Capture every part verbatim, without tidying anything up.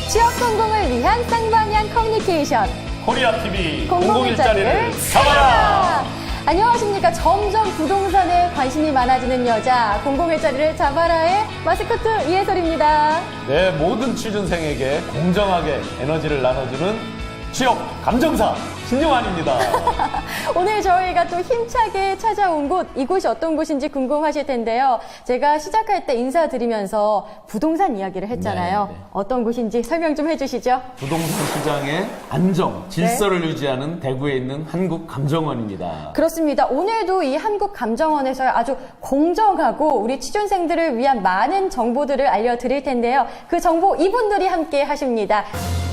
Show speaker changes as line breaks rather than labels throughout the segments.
취업 성공을 위한 쌍방향 커뮤니케이션.
코리아티비
공공일자리를
잡아라!
안녕하십니까. 점점 부동산에 관심이 많아지는 여자, 공공일자리를 잡아라의 마스코트 이혜솔입니다.
네, 모든 취준생에게 공정하게 에너지를 나눠주는 취업 감정사 신용환입니다.
오늘 저희가 또 힘차게 찾아온 곳, 이곳이 어떤 곳인지 궁금하실 텐데요. 제가 시작할 때 인사드리면서 부동산 이야기를 했잖아요.
네, 네.
어떤 곳인지 설명 좀 해주시죠.
부동산 시장의 안정, 질서를 유지하는 대구에 있는 한국감정원입니다.
그렇습니다. 오늘도 이 한국감정원에서 아주 공정하고 우리 취준생들을 위한 많은 정보들을 알려드릴 텐데요. 그 정보 이분들이 함께 하십니다.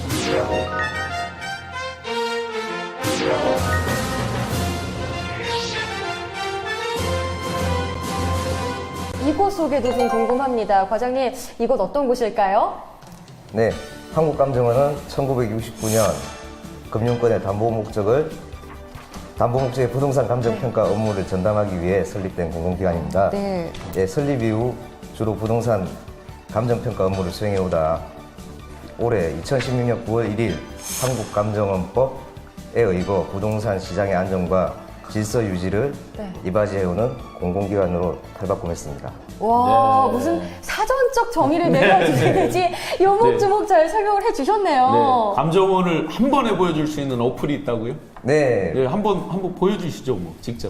이곳 소개도 좀 궁금합니다. 과장님, 이곳 어떤 곳일까요?
네, 한국감정원은 천구백육십구 년 금융권의 담보 목적을 담보 목적의 부동산 감정평가 업무를 전담하기 위해 설립된 공공기관입니다.
네.
예, 설립 이후 주로 부동산 감정평가 업무를 수행해오다 올해 이천십육 년 구월 일일 한국감정원법에 의거 부동산 시장의 안정과 질서 유지를
네.
이바지해오는 공공기관으로 탈바꿈했습니다.
와,
네.
무슨 사전적 정의를 내려주시는지 요목조목 잘 설명을 해주셨네요.
네, 감정원을 한 번에 보여줄 수 있는 어플이 있다고요?
네,
네, 한번 한번 보여주시죠, 뭐 직접.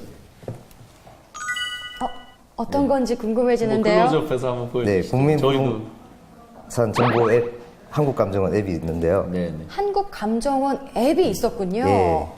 어, 어떤 건지
뭐
궁금해지는데요.
클로즈업해서 한번
네,
보여주시죠.
국민
저희도.
부동산 정보 앱 한국감정원 앱이 있는데요.
네, 네.
한국감정원 앱이 있었군요.
예.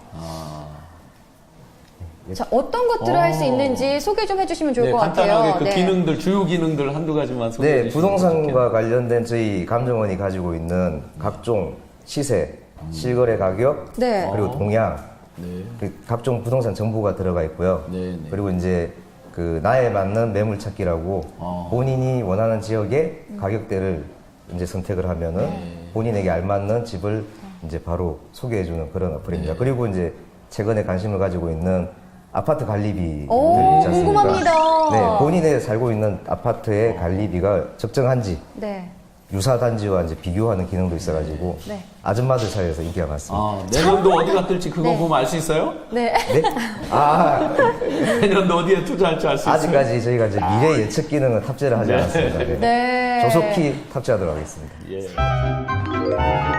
자, 어떤 것들을 할 수
어.
있는지 소개 좀 해주시면 좋을
네,
것
간단하게
같아요.
그
네.
기능들, 주요 기능들 한두 가지만 소개해
네,
주시면
부동산과 관련된 저희 감정원이 가지고 있는 각종 시세, 실거래 가격,
네.
그리고 동향,
네.
그리고 각종 부동산 정보가 들어가 있고요.
네, 네.
그리고 이제 그 나에 맞는 매물 찾기라고
어.
본인이 원하는 지역의 가격대를 이제 선택을 하면은
네.
본인에게 알맞는 집을 이제 바로 소개해주는 그런 어플입니다.
네.
그리고 이제 최근에 관심을 가지고 있는 아파트 관리비들
오,
있지 않습니까?
궁금합니다.
네, 본인이 살고 있는 아파트의 관리비가 적정한지
네.
유사 단지와 이제 비교하는 기능도 있어가지고
네.
아줌마들 사이에서 인기가 많습니다.
아, 내년도 어디가 뜰지 그거
네.
보면 알 수 있어요?
네.
네? 아,
내년도 어디에 투자할지 알 수 있어요?
아직까지 저희가 이제 미래 예측 기능은 탑재를 하지
네.
않았습니다. 네.
네.
조속히 탑재하도록 하겠습니다.
예.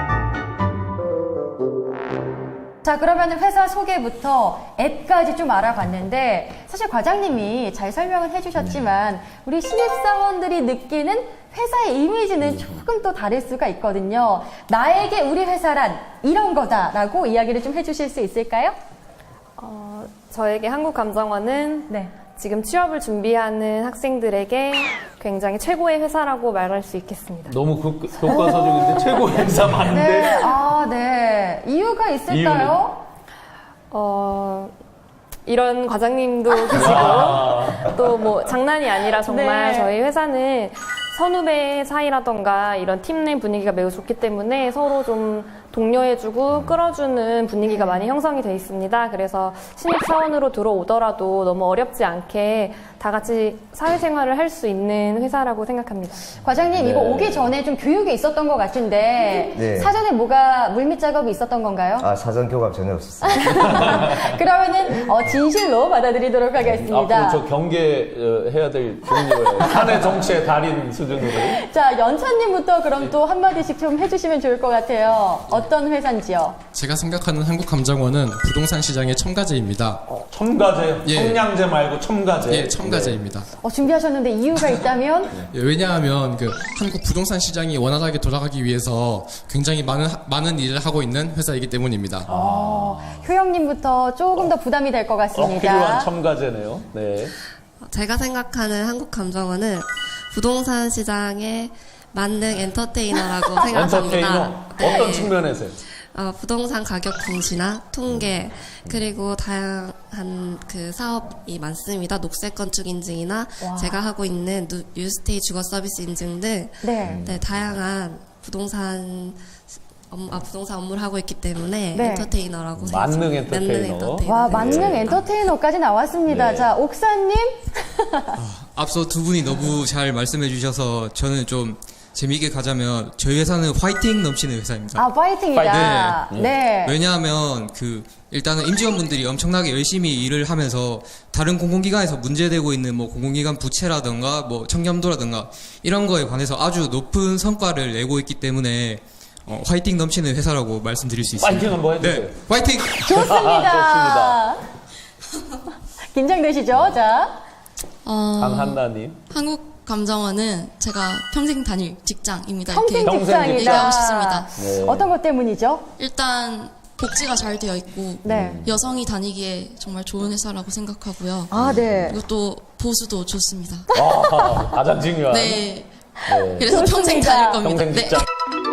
자, 그러면 회사 소개부터 앱까지 좀 알아봤는데, 사실 과장님이 잘 설명은 해주셨지만 우리 신입사원들이 느끼는 회사의 이미지는 조금 또 다를 수가 있거든요. 나에게 우리 회사란 이런 거다라고 이야기를 좀 해주실 수 있을까요?
어, 저에게 한국감정원은
네.
지금 취업을 준비하는 학생들에게 굉장히 최고의 회사라고 말할 수 있겠습니다.
너무 교, 교과서적인데 최고 행사
네.
많은데
아, 네. 이유가 있을까요?
어, 이런 과장님도 계시고
아,
또 뭐 장난이 아니라 정말
네.
저희 회사는 선후배 사이라던가 이런 팀 내 분위기가 매우 좋기 때문에 서로 좀 독려해주고 끌어주는 분위기가 많이 형성이 돼 있습니다. 그래서 신입사원으로 들어오더라도 너무 어렵지 않게 다 같이 사회생활을 할 수 있는 회사라고 생각합니다.
과장님,
네.
이거 오기 전에 좀 교육이 있었던 것 같은데,
네.
사전에 뭐가 물밑 작업이 있었던 건가요?
아, 사전 교감 전혀 없었어요.
그러면은 어, 진실로 받아들이도록 하겠습니다.
앞으로 저 경계해야 될 종류예요. 사내 정치의 달인 수준으로.
자, 연찬님부터 그럼 또 한마디씩 좀 해주시면 좋을 것 같아요. 어떤 회사인지요?
제가 생각하는 한국감정원은 부동산 시장의 첨가제입니다.
첨가제,
예.
청량제 말고 첨가제.
예, 첨가제입니다.
어, 준비하셨는데 이유가 있다면?
예, 왜냐하면 그 한국 부동산 시장이 원활하게 돌아가기 위해서 굉장히 많은 하- 많은 일을 하고 있는 회사이기 때문입니다.
어, 효영님부터 조금 더 부담이 될 것
꼭
같습니다.
필요한 첨가제네요. 네.
제가 생각하는 한국감정원은 부동산 시장의 만능 엔터테이너라고 생각합니다.
엔터테이너
네.
어떤 측면에서요?
어, 부동산 가격 공시나 통계 그리고 다양한 그 사업이 많습니다. 녹색 건축 인증이나
와.
제가 하고 있는 누- 뉴스테이 주거 서비스 인증 등
네.
네, 다양한 부동산 업, 아, 부동산 업무를 하고 있기 때문에
네.
엔터테이너라고
만능
생각합니다.
엔터테이너.
와,
네.
만능 엔터테이너까지 나왔습니다.
네.
자, 옥사님?
앞서 두 분이 너무 잘 말씀해 주셔서 저는 좀 재미있게 가자면 저희 회사는 화이팅 넘치는 회사입니다.
아, 파이팅이다.
파이팅.
네.
왜냐하면 그 일단은 임직원분들이 엄청나게 열심히 일을 하면서 다른 공공기관에서 문제되고 있는 뭐 공공기관 부채라든가 뭐 청렴도라든가 이런 거에 관해서 아주 높은 성과를 내고 있기 때문에 어, 화이팅 넘치는 회사라고 말씀드릴 수 있습니다.
파이팅 한번 해주세요.
네, 화이팅!
좋습니다. 긴장되시죠? 자.
어,
강한나님.
한국감정원은 제가 평생 다닐 직장입니다.
평생
이렇게
직장이다.
얘기하고 싶습니다.
네.
어떤 것 때문이죠?
일단 복지가 잘 되어 있고
네.
여성이 다니기에 정말 좋은 회사라고 생각하고요.
아, 네.
그리고 또 보수도 좋습니다.
아, 가장 중요한.
네.
네.
그래서 평생
좋습니다.
다닐 겁니다.
평생
네.
직장.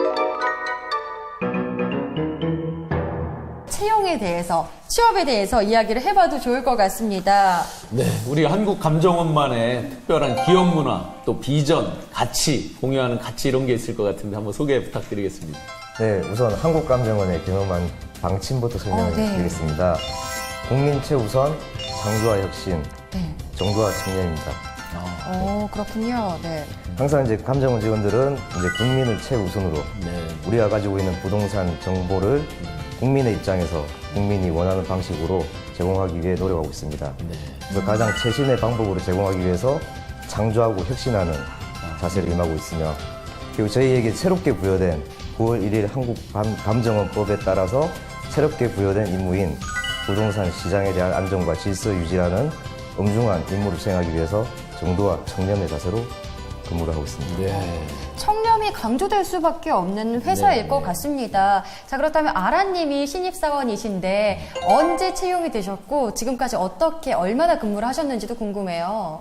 채용에 대해서, 취업에 대해서 이야기를 해봐도 좋을 것 같습니다.
네, 우리 한국감정원만의 특별한 기업 문화, 또 비전, 가치, 공유하는 가치 이런 게 있을 것 같은데 한번 소개 부탁드리겠습니다.
네, 우선 한국감정원의 경험한 방침부터 설명을
어, 네.
드리겠습니다. 국민 최우선, 창조와 혁신,
네.
정도와 청년입니다.
오, 그렇군요. 네.
항상 이제 감정원 직원들은 이제 국민을 최우선으로
네.
우리가 가지고 있는 부동산 정보를 국민의 입장에서 국민이 원하는 방식으로 제공하기 위해 노력하고 있습니다. 그래서 가장 최신의 방법으로 제공하기 위해서 창조하고 혁신하는 자세를 임하고 있으며, 그리고 저희에게 새롭게 부여된 구월 일일 한국감정원법에 따라서 새롭게 부여된 임무인 부동산 시장에 대한 안정과 질서 유지라는 엄중한 임무를 수행하기 위해서 정도와 청렴의 자세로 근무를 하고 있습니다.
네.
청렴이 강조될 수밖에 없는 회사일
네.
것 같습니다. 자, 그렇다면 아라님이 신입사원이신데 언제 채용이 되셨고 지금까지 어떻게 얼마나 근무를 하셨는지도 궁금해요.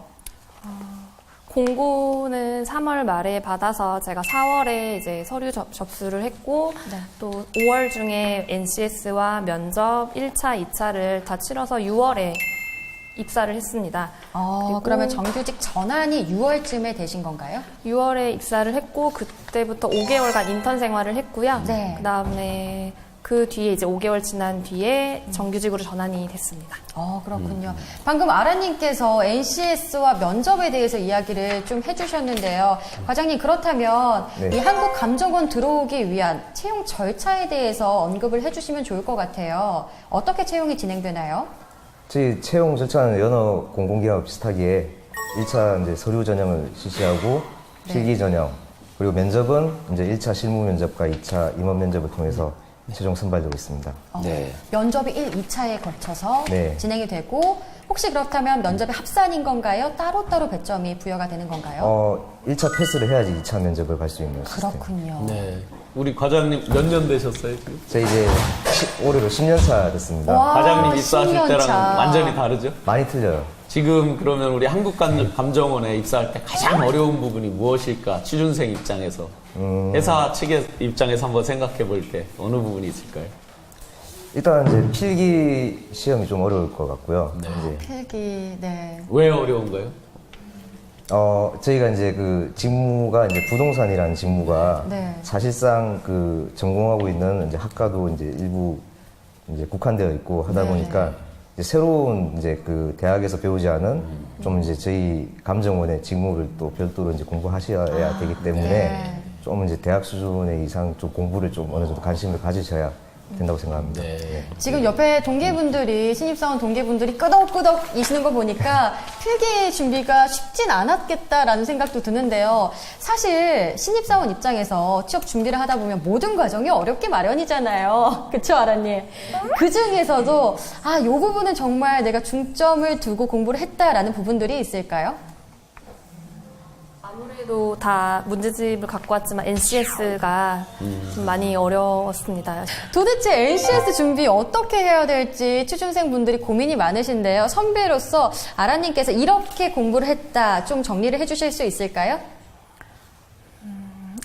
공고는 삼월 말에 받아서 제가 사월에 이제 서류 접, 접수를 했고
네.
또 오월 중에 엔씨에스와 면접 일 차, 이 차를 다 치러서 유월에 입사를 했습니다.
어,
그리고
그러면 정규직 전환이 유월쯤에 되신 건가요?
유월에 입사를 했고 그때부터 오 개월간 인턴 생활을 했고요.
네.
그다음에 그 뒤에 이제 오 개월 지난 뒤에 정규직으로 전환이 됐습니다.
어, 그렇군요. 방금 아라님께서 엔씨에스와 면접에 대해서 이야기를 좀 해주셨는데요. 과장님, 그렇다면
네.
이 한국감정원 들어오기 위한 채용 절차에 대해서 언급을 해주시면 좋을 것 같아요. 어떻게 채용이 진행되나요?
저희 채용 절차는 여러 공공기관과 비슷하기에 일 차 이제 서류 전형을 실시하고
네.
필기 전형, 그리고 면접은 이제 일 차 실무 면접과 이 차 임원 면접을 통해서 최종 선발되고 있습니다.
어,
네.
면접이 일, 이 차에 걸쳐서
네.
진행이 되고 혹시 그렇다면 면접이 합산인 건가요? 따로따로 배점이 부여가 되는 건가요?
어, 일 차 패스를 해야지 이 차 면접을 갈 수 있는 시스템.
그렇군요.
네. 우리 과장님 몇 년 되셨어요, 지금?
저희 이제 시- 올해로 십 년 차 됐습니다.
와,
과장님 입사하실
십 년
때랑
차.
완전히 다르죠?
많이 틀려요.
지금 그러면 우리 한국감정원에 입사할 때 가장 어려운 부분이 무엇일까? 취준생 입장에서.
음.
회사 측의 입장에서 한번 생각해 볼 때 어느 부분이 있을까요?
일단 이제 필기 시험이 좀 어려울 것 같고요. 이제
필기, 네.
왜 어려운가요?
어, 저희가 이제 그 직무가 이제 부동산이라는 직무가
네.
사실상 그 전공하고 있는 이제 학과도 이제 일부 이제 국한되어 있고 하다
네.
보니까 이제 새로운 이제 그 대학에서 배우지 않은 좀 이제 저희 감정원의 직무를 또 별도로 이제 공부하셔야 되기 때문에
네.
좀 이제 대학 수준의 이상 좀 공부를 좀 어느 정도 관심을 가지셔야 된다고 생각합니다.
네.
네.
지금 옆에 동기분들이, 신입사원 동기분들이 끄덕끄덕이시는 거 보니까 필기 준비가 쉽진 않았겠다라는 생각도 드는데요. 사실 신입사원 입장에서 취업 준비를 하다 보면 모든 과정이 어렵게 마련이잖아요. 그쵸, 아라님? 그 중에서도, 아, 요 부분은 정말 내가 중점을 두고 공부를 했다라는 부분들이 있을까요?
아무래도 다 문제집을 갖고 왔지만 엔씨에스가 좀 많이 어려웠습니다.
도대체 엔씨에스 준비 어떻게 해야 될지 취준생 분들이 고민이 많으신데요. 선배로서 아라님께서 이렇게 공부를 했다 좀 정리를 해주실 수 있을까요?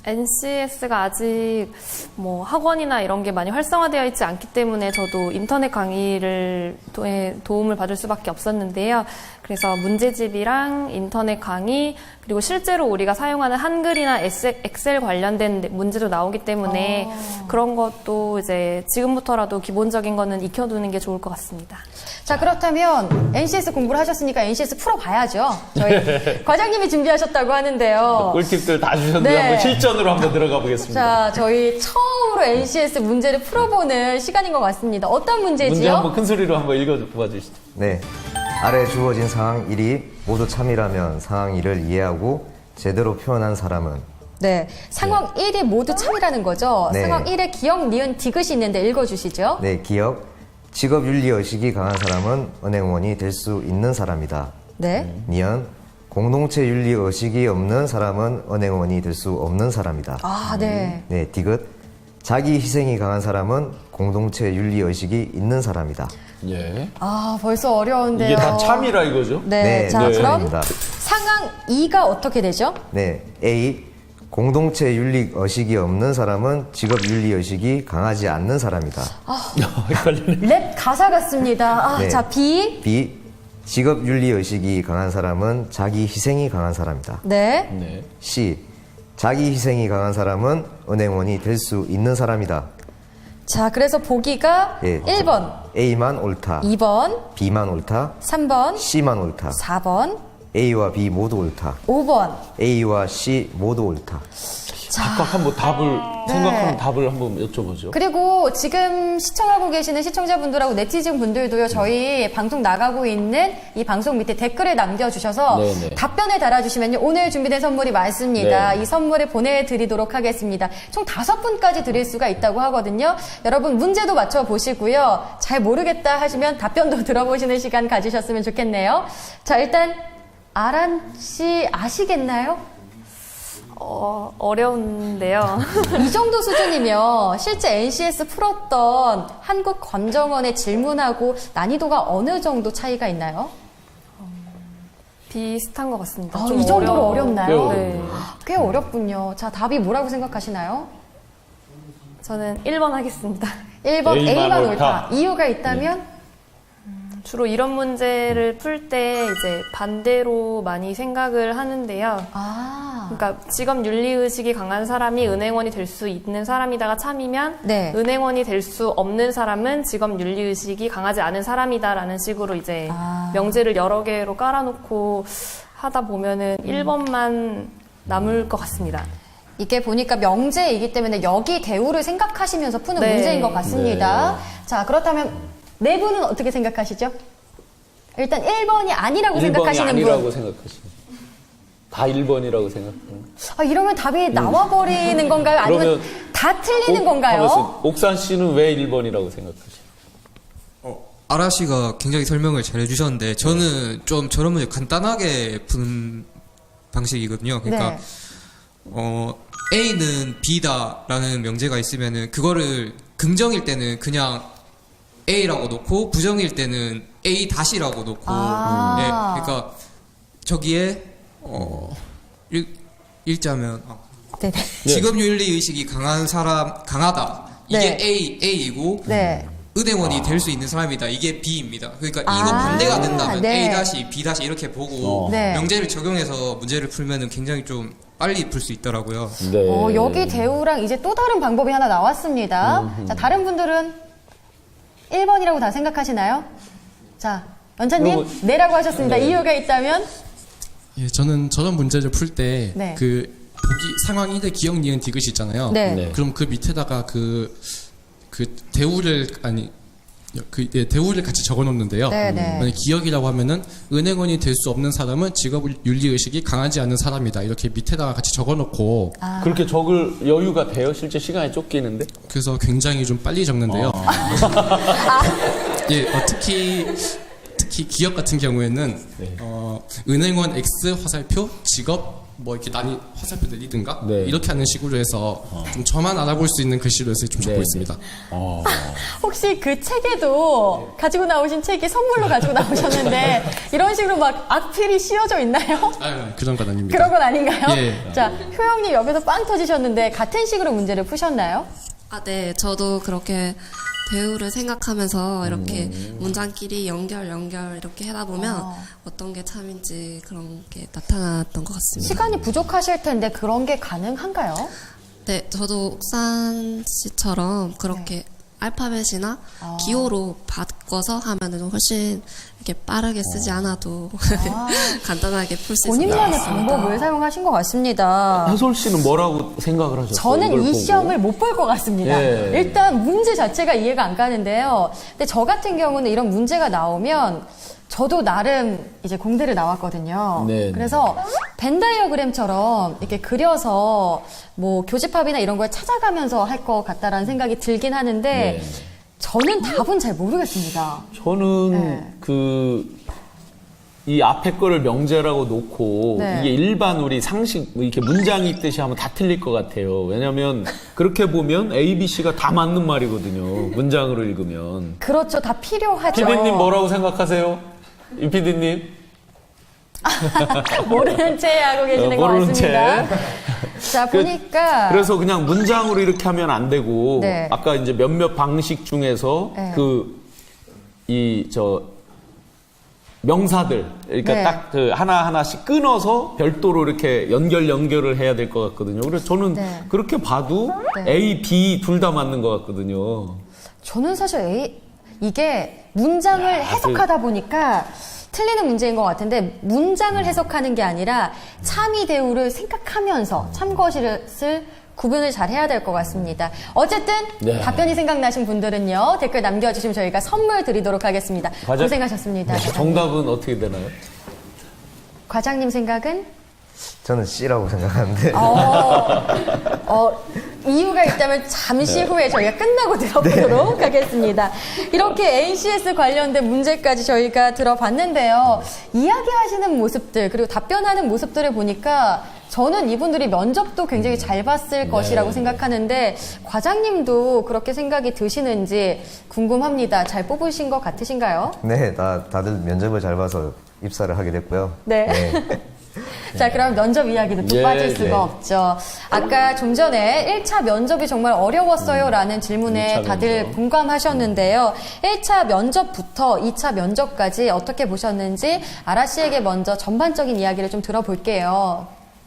엔씨에스가 아직 뭐 학원이나 이런 게 많이 활성화되어 있지 않기 때문에 저도 인터넷 강의를 통해 도움을 받을 수밖에 없었는데요. 그래서 문제집이랑 인터넷 강의 그리고 실제로 우리가 사용하는 한글이나 엑셀 관련된 문제도 나오기 때문에
어.
그런 것도 이제 지금부터라도 기본적인 거는 익혀두는 게 좋을 것 같습니다.
자, 그렇다면 엔씨에스 공부를 하셨으니까 엔씨에스 풀어봐야죠. 저희 과장님이 준비하셨다고 하는데요.
꿀팁들 다 주셨는데
네.
한번 실전으로 한번 들어가 보겠습니다.
자, 저희 처음으로 엔씨에스 문제를 풀어보는 시간인 것 같습니다. 어떤 문제지요?
문제 한번 큰 소리로 한번 읽어봐 주시죠.
네. 아래 주어진 상황 일이 모두 참이라면 상황 일을 이해하고 제대로 표현한 사람은
네. 상황 일이 모두 참이라는 거죠.
네.
상황 일에 기억, 니은, 디귿이 있는데 읽어주시죠.
네, 기억. 직업 윤리 의식이 강한 사람은 은행원이 될 수 있는 사람이다.
네.
니은. 공동체 윤리 의식이 없는 사람은 은행원이 될 수 없는 사람이다.
아, 네.
네, 디귿. 자기 희생이 강한 사람은 공동체 윤리 의식이 있는 사람이다.
예.
아, 벌써 어려운데요.
이게 다 참이라 이거죠?
네. 자,
네,
그럼
참입니다.
상황 이가 어떻게 되죠?
네, A. 공동체 윤리 의식이 없는 사람은 직업 윤리 의식이 강하지 않는 사람이다.
헷갈리네.
랩 가사 같습니다. 아,
네.
자, B.
B. 직업 윤리 의식이 강한 사람은 자기 희생이 강한 사람이다.
네.
네.
C. 자기 희생이 강한 사람은 은행원이 될 수 있는 사람이다.
자, 그래서 보기가
예.
일 번,
A만 옳다.
이 번,
B만 옳다.
삼 번,
C만 옳다.
사 번,
A와 B 모두 옳다.
오 번.
A와 C 모두 옳다.
각각 한번 답을
네.
생각하는 답을 한번 여쭤보죠.
그리고 지금 시청하고 계시는 시청자분들하고 네티즌 분들도요, 저희 방송 나가고 있는 이 방송 밑에 댓글을 남겨주셔서
네네.
답변을 달아주시면요, 오늘 준비된 선물이 많습니다.
네.
이 선물을 보내드리도록 하겠습니다. 총 다섯 분까지 드릴 수가 있다고 하거든요. 여러분 문제도 맞춰보시고요. 잘 모르겠다 하시면 답변도 들어보시는 시간 가지셨으면 좋겠네요. 자, 일단 아란 씨 아시겠나요?
어, 어려운데요.
이 정도 수준이면 실제 엔씨에스 풀었던 한국검정원의 질문하고 난이도가 어느 정도 차이가 있나요?
비슷한 것 같습니다.
아,
좀
이 정도로
어려워.
어렵나요?
꽤 어려워요.
네.
꽤 어렵군요. 자, 답이 뭐라고 생각하시나요?
저는 일 번 하겠습니다.
일 번
A만
A만
옳다.
옳다. 이유가 있다면?
주로 이런 문제를 풀 때 이제 반대로 많이 생각을 하는데요.
아,
그러니까 직업 윤리 의식이 강한 사람이 은행원이 될 수 있는 사람이다가 참이면
네.
은행원이 될 수 없는 사람은 직업 윤리 의식이 강하지 않은 사람이다라는 식으로 이제
아.
명제를 여러 개로 깔아놓고 하다 보면은 일 번만 남을 것 같습니다.
이게 보니까 명제이기 때문에 여기 대우를 생각하시면서 푸는
네.
문제인 것 같습니다. 자, 그렇다면 네 분은 어떻게 생각하시죠? 일단 일 번이 아니라고
일 번이
생각하시는
아니라고
분.
생각하시는 다 일 번이라고 생각하는
아, 이러면 답이 나와버리는 건가요? 아니면
그러면
다 틀리는
옥-
건가요?
하면서 옥산 씨는 왜 일 번이라고 생각하시나요?
아라 씨가 굉장히 설명을 잘 해주셨는데 저는 좀 저런 문제 간단하게 푸는 방식이거든요. 그러니까
네.
어, A는 B다라는 명제가 있으면은 그거를 긍정일 때는 그냥 A라고 놓고 부정일 때는 A 다시라고 놓고
아.
네, 그러니까 저기에 어, 읽, 읽자면 어,
네네.
직업 윤리 의식이 강한 사람 강하다 이게
네.
A A이고
네.
은행원이 될 수 있는 사람이다. 이게 B입니다. 그러니까
아,
이거 반대가 된다면
네.
A 다시 B 다시 이렇게 보고
어.
네.
명제를 적용해서 문제를 풀면은 굉장히 좀 빨리 풀 수 있더라고요.
네.
어, 여기 대우랑 이제 또 다른 방법이 하나 나왔습니다. 자, 다른 분들은 일 번이라고 다 생각하시나요? 자, 연차님,
그러고-
네라고 하셨습니다.
네.
이유가 있다면?
예, 저는 저런 문제를 풀 때 그
네.
보기 상황 일의 기억 니은 디귿이 있잖아요.
네.
네.
그럼 그 밑에다가 그, 그 대우를 아니 그 예, 대우를 같이 적어 놓는데요.
네, 네.
만약 기억이라고 하면은 은행원이 될 수 없는 사람은 직업 윤리 의식이 강하지 않은 사람이다. 이렇게 밑에다가 같이 적어 놓고
아.
그렇게 적을 여유가 돼요? 실제 시간이 쫓기는데?
그래서 굉장히 좀 빨리 적는데요. 예, 어, 특히 특히 기업 같은 경우에는
네.
어, 은행원 X 화살표 직업 뭐 이렇게 난이 화살표 내리든가
네.
이렇게 하는 식으로 해서 좀 저만 알아볼 수 있는 글씨로 해서 좀 적고
네.
있습니다.
어.
혹시 그 책에도 가지고 나오신 책이 선물로 가지고 나오셨는데 이런 식으로 막 악필이 씌워져 있나요?
아, 그런 건 아닙니다.
그런 건 아닌가요?
예.
자, 효영님 옆에서 빵 터지셨는데 같은 식으로 문제를 푸셨나요?
아, 네. 저도 그렇게 배우를 생각하면서 이렇게 문장끼리 연결, 연결 이렇게 하다 보면
아.
어떤 게 참인지 그런 게 나타났던 것 같습니다.
시간이 부족하실 텐데 그런 게 가능한가요?
네, 저도 옥산 씨처럼 그렇게 알파벳이나 기호로 바꿔서 하면은 좀 훨씬 이렇게 빠르게 쓰지 않아도 간단하게 풀 수 있을 것
본인만의
같습니다.
방법을 사용하신 것 같습니다.
해솔 씨는 뭐라고 생각을 하셨어요?
저는
이걸
이
보고?
시험을 못 볼 것 같습니다.
예.
일단 문제 자체가 이해가 안 가는데요. 근데 저 같은 경우는 이런 문제가 나오면 저도 나름 이제 공대를 나왔거든요.
네.
그래서 벤 다이어그램처럼 이렇게 그려서 뭐 교집합이나 이런 걸 찾아가면서 할 것 같다라는 생각이 들긴 하는데
네.
저는 답은 잘 모르겠습니다.
저는
네.
그, 이 앞에 거를 명제라고 놓고
네.
이게 일반 우리 상식 뭐 이렇게 문장이 있듯이 하면 다 틀릴 것 같아요. 왜냐면 그렇게 보면 A, B, C가 다 맞는 말이거든요. 문장으로 읽으면.
그렇죠. 다 필요하죠.
피디님 뭐라고 생각하세요? 임 피디님?
모르는 채 하고 계시는
어,
것
모르는
같습니다. 자,
그-
보니까.
그래서 그냥 문장으로 이렇게 하면 안 되고
네.
아까 이제 몇몇 방식 중에서
네.
그 이 저 명사들 그러니까
네.
딱 그 하나 하나씩 끊어서 별도로 이렇게 연결 연결을 해야 될 것 같거든요. 그래서 저는
네.
그렇게 봐도
네.
A, B 둘 다 맞는 것 같거든요.
저는 사실 A, 이게 문장을 해석하다 보니까 틀리는 문제인 것 같은데 문장을 해석하는 게 아니라 참이 대우를 생각하면서 참것을 구분을 잘 해야 될 것 같습니다. 어쨌든
네.
답변이 생각나신 분들은요 댓글 남겨주시면 저희가 선물 드리도록 하겠습니다.
과장-
고생하셨습니다. 과장님.
정답은 어떻게 되나요?
과장님 생각은?
저는 C라고 생각하는데
어, 어, 이유가 있다면 잠시 후에 저희가 끝나고 들어보도록 하겠습니다. 이렇게 엔씨에스 관련된 문제까지 저희가 들어봤는데요. 이야기하시는 모습들 그리고 답변하는 모습들을 보니까 저는 이분들이 면접도 굉장히 잘 봤을 것이라고 생각하는데 과장님도 그렇게 생각이 드시는지 궁금합니다. 잘 뽑으신 것 같으신가요?
네, 다, 다들 면접을 잘 봐서 입사를 하게 됐고요.
네. 자, 그럼 면접 이야기도 또
예,
빠질 수가
예.
없죠. 아까 좀 전에 일 차 면접이 정말 어려웠어요 라는 질문에
일 차
다들
면접.
공감하셨는데요. 일 차 면접부터 이 차 면접까지 어떻게 보셨는지 아라 씨에게 먼저 전반적인 이야기를 좀 들어볼게요.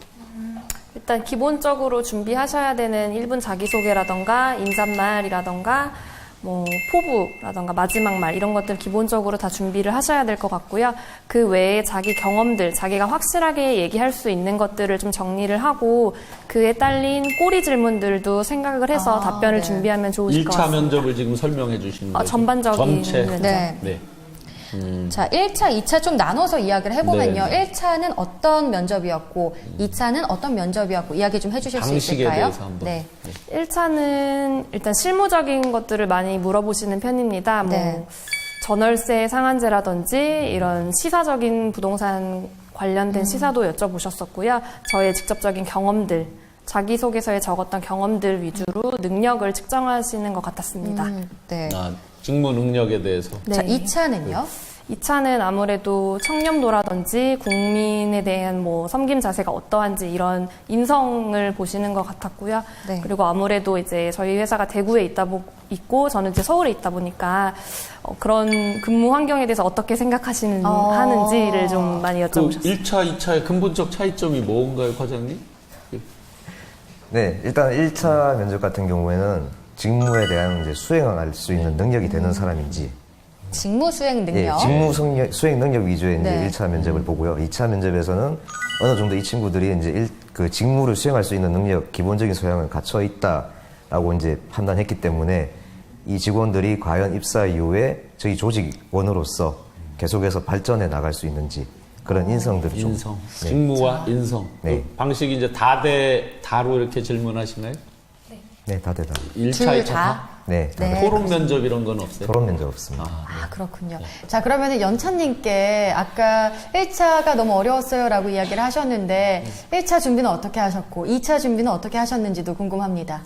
일단 기본적으로 준비하셔야 되는 일 분 자기소개라던가 인사말이라던가 뭐 포부라던가 마지막 말 이런 것들 기본적으로 다 준비를 하셔야 될 것 같고요. 그 외에 자기 경험들, 자기가 확실하게 얘기할 수 있는 것들을 좀 정리를 하고 그에 딸린 꼬리 질문들도 생각을 해서
아,
답변을
네.
준비하면 좋으실 것
일 차
같습니다.
면접을 지금 설명해 주시는
아,
거죠?
전반적인
전체.
면접.
네.
네.
자, 일 차, 이 차 좀 나눠서 이야기를 해보면요.
네.
일 차는 어떤 면접이었고, 이 차는 어떤 면접이었고, 이야기 좀 해주실 수
방식에
있을까요?
대해서 한번.
네.
일 차는 일단 실무적인 것들을 많이 물어보시는 편입니다. 뭐
네.
전월세 상한제라든지 이런 시사적인 부동산 관련된
음.
시사도 여쭤보셨었고요. 저의 직접적인 경험들, 자기소개서에 적었던 경험들 위주로 능력을 측정하시는 것 같았습니다.
음, 네.
아, 직무 능력에 대해서.
자,
네.
이 차는요?
이 차는 아무래도 청렴도라든지 국민에 대한 뭐 섬김 자세가 어떠한지 이런 인성을 보시는 것 같았고요.
네.
그리고 아무래도 이제 저희 회사가 대구에 있다 보, 있고 저는 이제 서울에 있다 보니까 어, 그런 근무 환경에 대해서 어떻게 생각하시는
어.
하는지를 좀 많이
그
여쭤보셨어요.
일 차, 이 차의 근본적 차이점이 뭔가요, 과장님?
네, 일단 일 차 면접 같은 경우에는 직무에 대한 이제 수행할 수 있는 능력이 되는 사람인지,
직무 수행 능력.
예, 직무 성력- 수행 능력 위주의 이제
네.
일 차 면접을 보고요. 이 차 면접에서는 어느 정도 이 친구들이 이제 일, 그 직무를 수행할 수 있는 능력, 기본적인 소양을 갖춰 있다라고 이제 판단했기 때문에 이 직원들이 과연 입사 이후에 저희 조직원으로서 계속해서 발전해 나갈 수 있는지 그런 인성들을 좀
인성.
네.
직무와 인성.
네.
그 방식이 이제 다대 다로 이렇게 질문하시나요?
네, 다 대다.
일 차,
둘
이 차
다?
다?
네, 다
네.
대.
토론 면접 이런 건 없어요?
토론 면접 없습니다.
아, 그렇군요. 자, 그러면 연차님께 아까 일 차가 너무 어려웠어요 라고 이야기를 하셨는데 일 차 준비는 어떻게 하셨고 이 차 준비는 어떻게 하셨는지도 궁금합니다.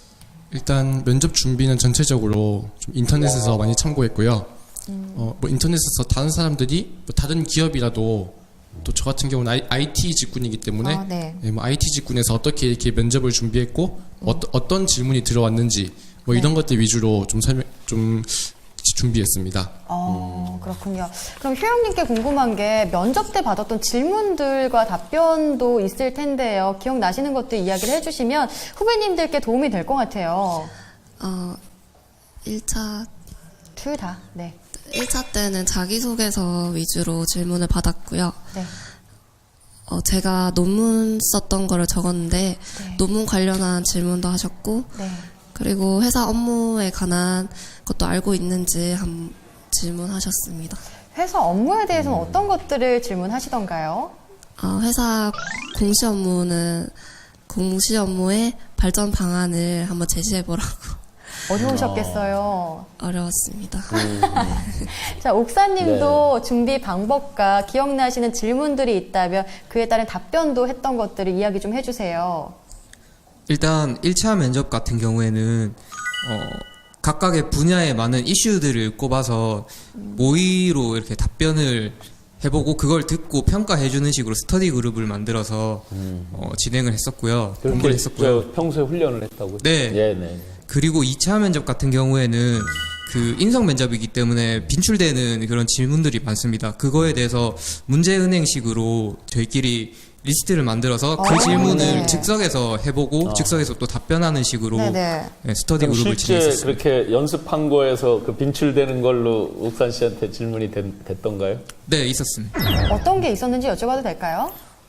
일단 면접 준비는 전체적으로 좀 인터넷에서 많이 참고했고요. 어, 뭐 인터넷에서 다른 사람들이 뭐 다른 기업이라도 또 저 같은 경우는 아이, 아이티 직군이기 때문에
아, 네.
예, 뭐 아이티 직군에서 어떻게 이렇게 면접을 준비했고 어, 어떤 질문이 들어왔는지 뭐 이런 것들 위주로 좀 설명 좀 준비했습니다.
어, 그렇군요. 그럼 효영님께 궁금한 게 면접 때 받았던 질문들과 답변도 있을 텐데요. 기억나시는 것도 이야기를 해주시면 후배님들께 도움이 될 것 같아요.
어, 일 차
둘 다. 네.
일 차 때는 자기소개서 위주로 질문을 받았고요.
네.
어, 제가 논문 썼던 거를 적었는데
네.
논문 관련한 질문도 하셨고
네.
그리고 회사 업무에 관한 것도 알고 있는지 한 질문하셨습니다.
회사 업무에 대해서는 어떤 것들을 질문하시던가요?
어, 회사 공시 업무는 공시 업무의 발전 방안을 한번 제시해보라고
어려우셨겠어요.
어려웠습니다.
자, 옥사님도 준비 방법과 기억나시는 질문들이 있다면 그에 따른 답변도 했던 것들을 이야기 좀 해주세요.
일단 일 차 면접 같은 경우에는 어, 각각의 분야에 많은 이슈들을 꼽아서 모의로 이렇게 답변을 해보고 그걸 듣고 평가해주는 식으로 스터디 그룹을 만들어서 어, 진행을 했었고요. 공부를
그렇게
했었고요.
저 평소에 훈련을 했다고요?
네.
예, 네.
그리고 이 차 면접 같은 경우에는 그 인성 면접이기 때문에 빈출되는 그런 질문들이 많습니다. 그거에 대해서 문제은행식으로 저희끼리 리스트를 만들어서 그
아,
질문을
네.
즉석에서 해보고 즉석에서 또 답변하는 식으로
네네.
네, 스터디
그럼
그룹을
실제
진행했었습니다.
그렇게 연습한 거에서 그 빈출되는 걸로 옥산 씨한테 질문이 된, 됐던가요?
네, 있었습니다.
어떤 게 있었는지 여쭤봐도 될까요?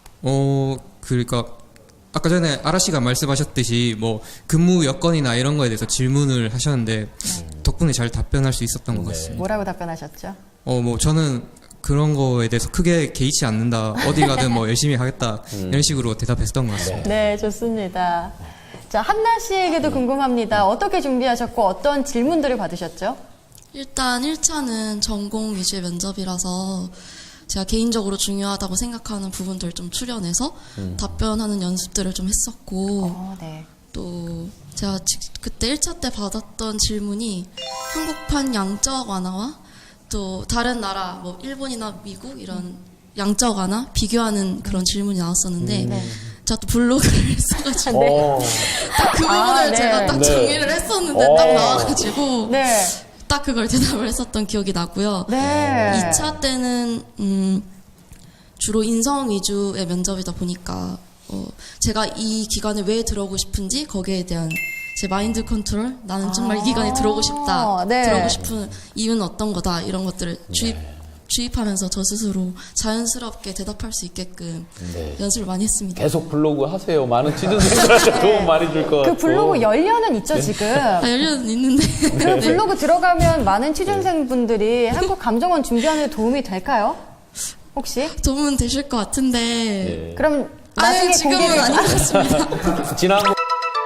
어, 그러니까 아까 전에 아라 씨가 말씀하셨듯이 뭐 근무 여건이나 이런 거에 대해서 질문을 하셨는데 덕분에 잘 답변할 수 있었던 것 같습니다.
뭐라고 답변하셨죠?
어, 뭐 저는 그런 거에 대해서 크게 개의치 않는다. 어디 가든 뭐 열심히 하겠다. 이런 식으로 대답했던 것 같습니다.
네, 좋습니다. 자, 한나 씨에게도 궁금합니다. 어떻게 준비하셨고 어떤 질문들을 받으셨죠?
일단 일 차는 전공 위주의 면접이라서 제가 개인적으로 중요하다고 생각하는 부분들을 좀 추려내서
음.
답변하는 연습들을 좀 했었고
어, 네.
또 제가 지- 그때 일 차 때 받았던 질문이 한국판 양적 완화와 또 다른 나라 뭐 일본이나 미국 이런 양적 완화 비교하는 그런 질문이 나왔었는데 제가 또 블로그를 써가지고
어,
딱 그 부분을
아, 네.
제가 딱
네.
정리를 했었는데
어.
딱 나와가지고
네.
딱 그걸 대답을 했었던 기억이 나고요.
네.
이 차 때는 음, 주로 인성 위주의 면접이다 보니까 어, 제가 이 기관에 왜 들어오고 싶은지 거기에 대한 제 마인드 컨트롤, 나는 정말 이 기관에 들어오고 싶다,
네.
들어오고 싶은 이유는 어떤 거다 이런 것들을 주입 주입하면서 저 스스로 자연스럽게 대답할 수 있게끔
네.
연습을 많이 했습니다.
계속 블로그 하세요. 많은 취준생들한테 도움 많이 줄 것 같고.
그 블로그 열려는 있죠, 지금.
아, 열려는 있는데
그 블로그 들어가면 많은 취준생분들이 한국 감정원 준비하는 데 도움이 될까요? 혹시?
도움은 되실 것 같은데
예.
그럼 나중에
아유, 지금은
공개를
아닌 것 같습니다.
지난번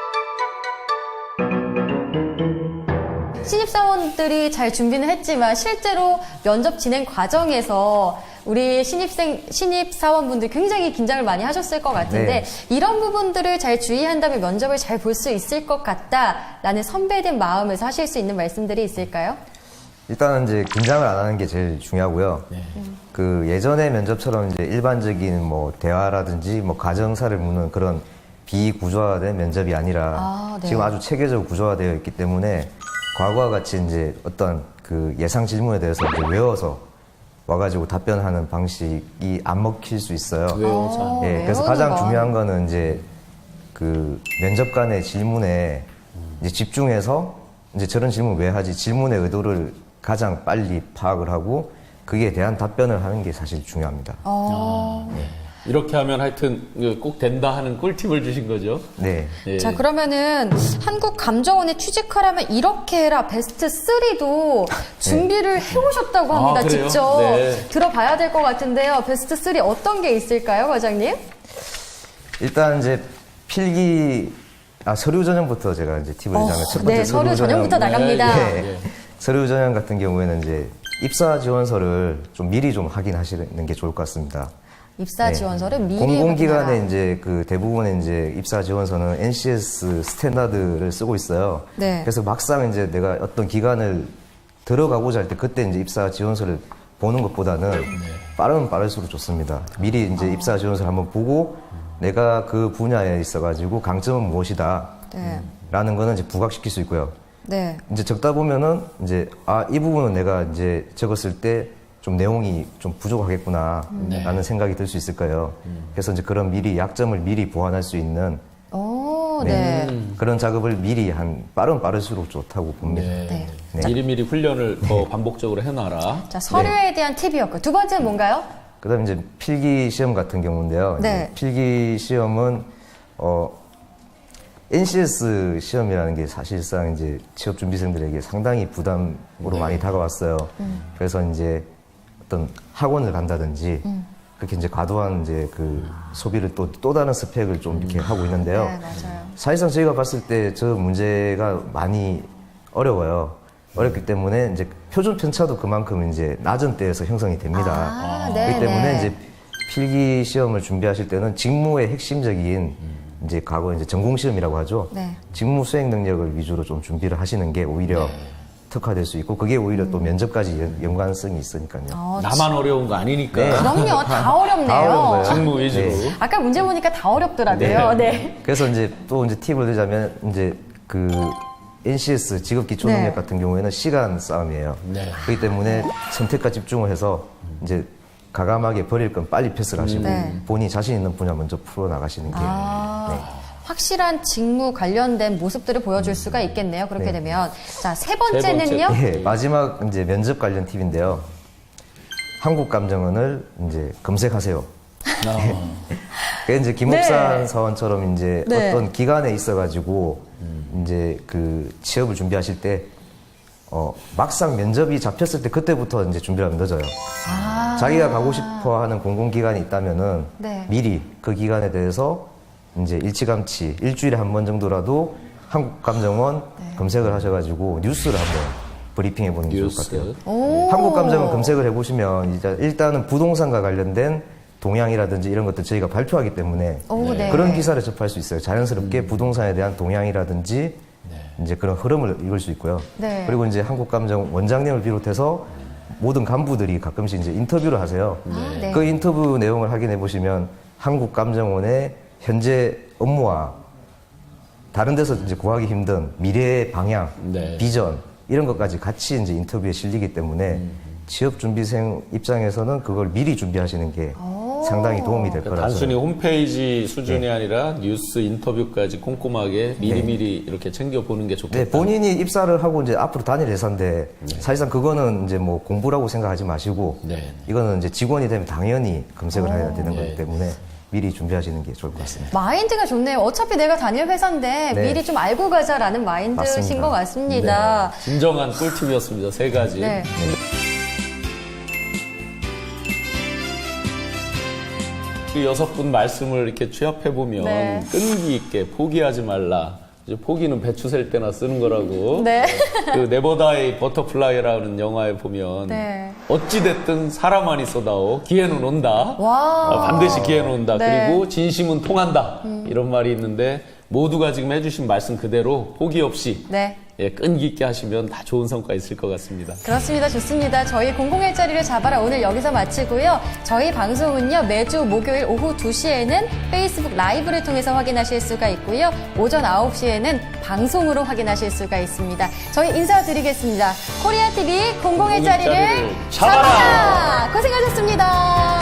신입사원들이 잘 준비는 했지만 실제로 면접 진행 과정에서 우리 신입생, 신입사원분들 굉장히 긴장을 많이 하셨을 것 같은데
네.
이런 부분들을 잘 주의한다면 면접을 잘 볼 수 있을 것 같다라는 선배된 마음에서 하실 수 있는 말씀들이 있을까요?
일단은 이제 긴장을 안 하는 게 제일 중요하고요. 그 예전의 면접처럼 이제 일반적인 뭐 대화라든지 뭐 가정사를 묻는 그런 비구조화된 면접이 아니라
아, 네.
지금 아주 체계적으로 구조화되어 있기 때문에 과거와 같이 이제 어떤 그 예상 질문에 대해서 이제 외워서 와가지고 답변하는 방식이 안 먹힐 수 있어요.
외워서.
예, 그래서
외우는
가장
건.
중요한 거는 이제 그 면접관의 질문에 이제 집중해서 이제 저런 질문 왜 하지? 질문의 의도를 가장 빨리 파악을 하고 그에 대한 답변을 하는 게 사실 중요합니다.
어.
이렇게 하면 하여튼 꼭 된다 하는 꿀팁을 주신 거죠.
네.
예.
자, 그러면은 한국 감정원에 취직하려면 이렇게 해라 베스트 쓰리도 준비를 해오셨다고 합니다.
아, 그래요?
직접
네.
들어봐야 될 것 같은데요. 베스트 쓰리 어떤 게 있을까요, 과장님?
일단 이제 필기 아, 서류 전형부터 제가 이제 팁을 드리자면 첫 번째
네, 서류 전형부터
전형.
나갑니다.
예, 예. 서류 전형 같은 경우에는 이제 입사 지원서를 좀 미리 좀 확인하시는 게 좋을 것 같습니다.
입사
네.
지원서를 미리
공공기관에
확인하라.
이제 그 대부분의 이제 입사 지원서는 엔씨에스 스탠다드를 쓰고 있어요.
네.
그래서 막상 이제 내가 어떤 기관을 들어가고자 할 때 그때 이제 입사 지원서를 보는 것보다는 빠르면 빠를수록 좋습니다. 미리 이제 입사 지원서를 한번 보고 내가 그 분야에 있어가지고 강점은 무엇이다.
네.
라는 거는 이제 부각시킬 수 있고요.
네.
이제 적다 보면은 이제 아, 이 부분은 내가 이제 적었을 때 좀 내용이 좀 부족하겠구나 라는 생각이 들 수 있을 거예요. 그래서 이제 그런 미리 약점을 미리 보완할 수 있는
오, 네.
그런 작업을 미리 한 빠르면 빠를수록 좋다고 봅니다.
네.
네.
미리미리 훈련을 더 반복적으로 해놔라.
자, 서류에 대한 팁이었고 두 번째는 뭔가요?
그다음에 이제 필기 시험 같은 경우인데요.
네.
이제 필기 시험은 어 엔씨에스 시험이라는 게 사실상 이제 취업 준비생들에게 상당히 부담으로 많이 다가왔어요. 그래서 이제 어떤 학원을 간다든지 그렇게 이제 과도한 이제 그 소비를 또 또 다른 스펙을 좀 이렇게 하고 있는데요.
네, 맞아요.
사실상 저희가 봤을 때 저 문제가 많이 어려워요. 어렵기 때문에 이제 표준 편차도 그만큼 이제 낮은 때에서 형성이 됩니다.
아,
그렇기
네,
때문에
네.
이제 필기 시험을 준비하실 때는 직무의 핵심적인 이제 과거 이제 전공 시험이라고 하죠.
네.
직무 수행 능력을 위주로 좀 준비를 하시는 게 오히려 특화될 수 있고 그게 오히려 또 면접까지 연- 연관성이 있으니까요.
어,
나만 어려운 거 아니니까.
네.
그럼요. 다 어렵네요.
다 어려운 거예요.
직무 위주로.
네.
아까 문제 보니까 다 어렵더라고요. 네.
그래서 이제 또 이제 팁을 드자면 이제 그 엔씨에스 직업 기초 능력
네.
같은 경우에는 시간 싸움이에요.
네.
그렇기 때문에 선택과 집중을 해서 이제 가감하게 버릴 건 빨리 패스를 하시고
네.
본인이 자신 있는 분야 먼저 풀어 나가시는 게
아,
네.
확실한 직무 관련된 모습들을 보여줄 수가 있겠네요. 그렇게
네.
되면. 자, 세 번째는요?
예, 마지막 이제 면접 관련 팁인데요. 한국 감정원을 이제 검색하세요. 그 이제 김옥산
네.
사원처럼 이제
네.
어떤 기관에 있어가지고 이제 그 취업을 준비하실 때 어, 막상 면접이 잡혔을 때 그때부터 이제 준비를 하면 늦어요.
아,
자기가 가고 싶어 하는 공공기관이 있다면은
네.
미리 그 기관에 대해서 이제 일찌감치 일주일에 한 번 정도라도 한국감정원
네.
검색을 하셔가지고 뉴스를 한번 브리핑해 보는 게 좋을 것
뉴스.
같아요.
오.
한국감정원 검색을 해보시면 이제 일단은 부동산과 관련된 동향이라든지 이런 것들 저희가 발표하기 때문에
오, 네.
그런 기사를 접할 수 있어요. 자연스럽게 부동산에 대한 동향이라든지 이제 그런 흐름을 읽을 수 있고요.
네.
그리고 이제 한국감정 원장님을 비롯해서 모든 간부들이 가끔씩 이제 인터뷰를 하세요.
아, 네.
그 인터뷰 내용을 확인해 보시면 한국감정원의 현재 업무와 다른 데서 이제 구하기 힘든 미래의 방향,
네.
비전 이런 것까지 같이 이제 인터뷰에 실리기 때문에 취업 준비생 입장에서는 그걸 미리 준비하시는 게 상당히 도움이 될
그러니까
거라서.
단순히 홈페이지 수준이 아니라 뉴스 인터뷰까지 꼼꼼하게 미리미리 이렇게 챙겨보는 게 좋겠다.
네, 본인이 입사를 하고 이제 앞으로 다닐 회사인데 사실상 그거는 이제 뭐 공부라고 생각하지 마시고
네.
이거는 이제 직원이 되면 당연히 검색을 해야 되는
네.
거기 때문에 미리 준비하시는 게 좋을 것 같습니다.
마인드가 좋네요. 어차피 내가 다닐 회사인데
네.
미리 좀 알고 가자라는 마인드신
맞습니다.
것 같습니다.
진정한 꿀팁이었습니다. 세 가지.
네.
그 여섯 분 말씀을 이렇게 취합해 보면
네.
끈기 있게 포기하지 말라. 이제 포기는 배추 셀 때나 쓰는 거라고.
네.
그 네버다이 버터플라이라는 영화에 보면
네.
어찌 됐든 사람만 있어다오 기회는 온다.
와.
어, 반드시 기회는 온다.
네.
그리고 진심은 통한다. 이런 말이 있는데 모두가 지금 해주신 말씀 그대로 포기 없이
네.
예, 끈기 있게 하시면 다 좋은 성과 있을 것 같습니다.
그렇습니다. 좋습니다. 저희 공공일자리를 잡아라 오늘 여기서 마치고요. 저희 방송은요. 매주 목요일 오후 두 시에는 페이스북 라이브를 통해서 확인하실 수가 있고요. 오전 아홉 시에는 방송으로 확인하실 수가 있습니다. 저희 인사드리겠습니다. 코리아티비 공공일자리를
공공일자리를 잡아라!
잡아라! 고생하셨습니다.